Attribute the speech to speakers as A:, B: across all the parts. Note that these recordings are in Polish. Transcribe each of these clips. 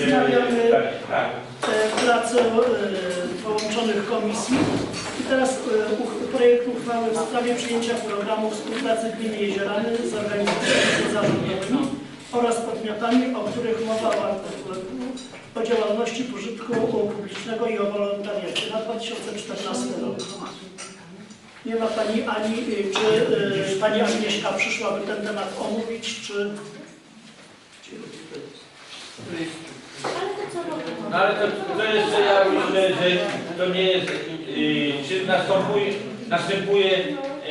A: Wznawiamy pracę połączonych komisji. I teraz projekt uchwały w sprawie przyjęcia programu współpracy gminy Jeziorany z organizacjami pozarządowymi oraz podmiotami, o których mowa w artykule o działalności pożytku publicznego i o wolontariacie na 2014 rok. Nie ma Pani Ani, czy Pani Agnieszka przyszłaby ten temat omówić, czy...
B: No ale to jeszcze ja myślę, że to nie jest, czy następuje,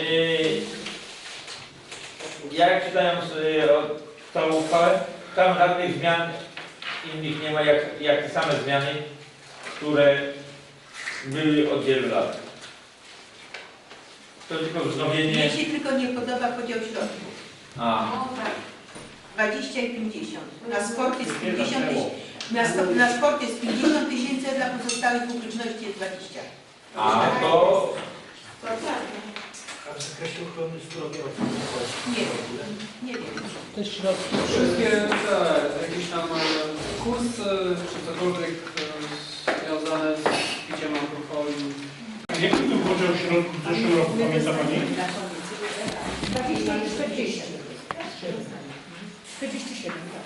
B: jak czytając tą uchwałę, tam żadnych zmian innych nie ma, jak te same zmiany, które były od wielu lat. To tylko wznowienie...
C: Mnie się tylko nie podoba podział środków.
B: A.
C: 20 i 50. Na sport jest 50 000, na sport jest 50 000, a dla pozostałych publiczności jest 20.
B: A to...
D: A w zakresie ochrony zdrowia
C: nie wiem. Nie wiem.
D: Te środki.
E: Wszystkie jakieś tam kursy, czy cokolwiek związane z piciem alkoholu.
D: Jaki to podział środków w zeszłym roku, pamięta Pani?
F: 20 i 40. 47, tak.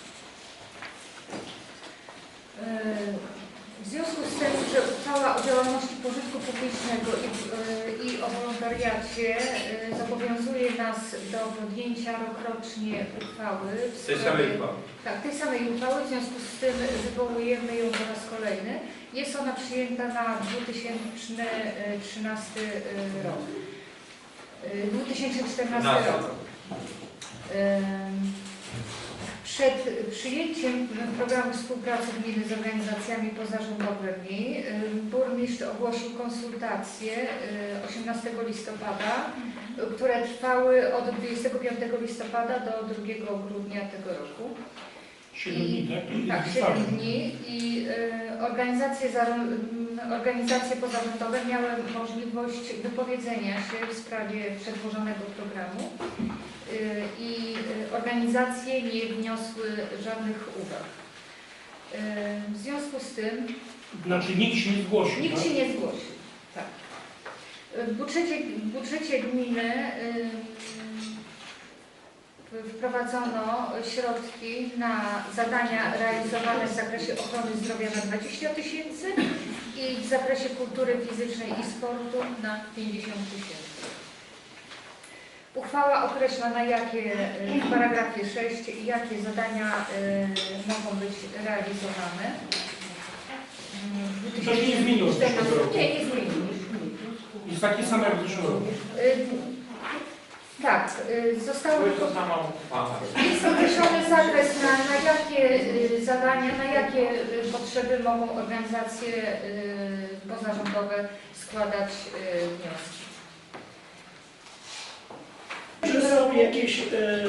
F: W związku z tym, że uchwała o działalności pożytku publicznego i o wolontariacie zobowiązuje nas do podjęcia rokrocznie uchwały.
B: Tej samej uchwały.
F: Tak, tej samej uchwały, w związku z tym wywołujemy ją po raz kolejny. Jest ona przyjęta na 2013 rok. 2014 rok. Przed przyjęciem programu współpracy gminy z organizacjami pozarządowymi burmistrz ogłosił konsultacje 18 listopada, które trwały od 25 listopada do 2 grudnia tego roku.
D: 7 dni, tak?
F: Tak, 7 dni i organizacje pozarządowe miały możliwość wypowiedzenia się w sprawie przedłożonego programu i organizacje nie wniosły żadnych uwag. W związku z tym...
D: Znaczy nikt się nie zgłosił.
F: Nikt się nie zgłosił, tak. W budżecie gminy wprowadzono środki na zadania realizowane w zakresie ochrony zdrowia na 20 000 i w zakresie kultury fizycznej i sportu na 50 000. Uchwała określa, na jakie w paragrafie 6 jakie zadania mogą być realizowane.
D: To się nie zmieniło.
F: Nie, nie zmieniło.
D: Jest takie same jak w zeszłym roku.
F: Tak, zostało
B: To sama uchwała.
F: jest określony zakres, na jakie zadania, na jakie potrzeby mogą organizacje pozarządowe składać wnioski.
A: Czy są jakieś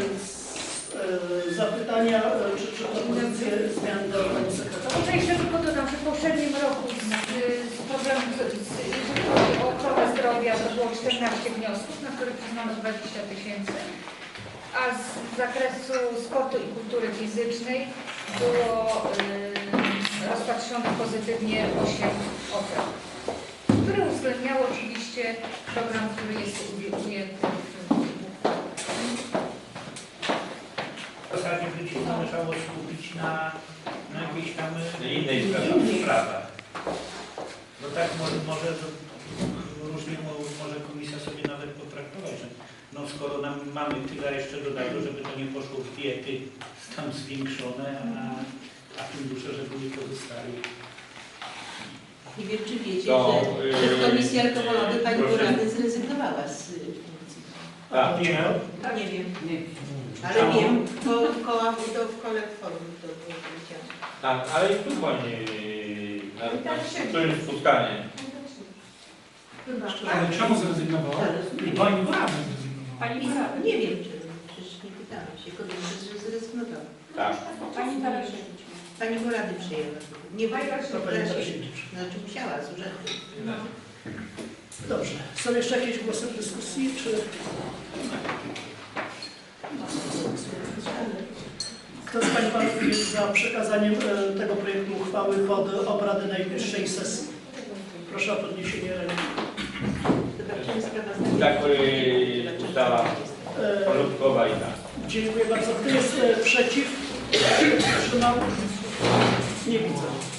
A: zapytania, czy propozycje zmian do Pani Sekretarza?
F: To jeszcze tylko dodam, że w poprzednim roku z problemu, jeżeli chodzi o ochronę zdrowia, to było 14 wniosków, na których przyznano 20 000, a z zakresu sportu i kultury fizycznej było rozpatrzone pozytywnie 8 ofert, które uwzględniało oczywiście program, który jest ujęty
D: W zasadzie by się należało skupić na jakiejś tam
B: Innej sprawie.
D: No tak, może różnie może komisja sobie nawet potraktować, że no skoro mamy tyle jeszcze dodatku, żeby to nie poszło w diety tam zwiększone, a fundusze, żeby nie pozostały.
C: Nie wiem, czy wiecie, że w Komisji Alkoholowej Pani Burady zrezygnowała z funkcji.
B: Tak.
D: Nie,
C: Nie wiem. Ale wiem, bo w kole forum to było powiedziane.
B: Tak, ale i tu Pani to jest spotkanie.
D: ale czemu zrezygnowała? Pani Burada zrezygnowała.
C: Pani Burada? Nie wiem, czy przecież nie pytałam się, kogo zrezygnowała.
B: Tak.
C: Pani Tarasiewicz. Pani Burady przyjęła. Nie znaczy musiała z urzędu.
A: Dobrze. Są jeszcze jakieś głosy w dyskusji, czy... Kto z Pań i Panów jest za przekazaniem tego projektu uchwały pod obrady najbliższej sesji? Proszę o podniesienie ręki.
B: Tak, ustawa porządkowa i tak.
A: Dziękuję bardzo. Kto jest przeciw? Kto się wstrzymał? Nie widzę.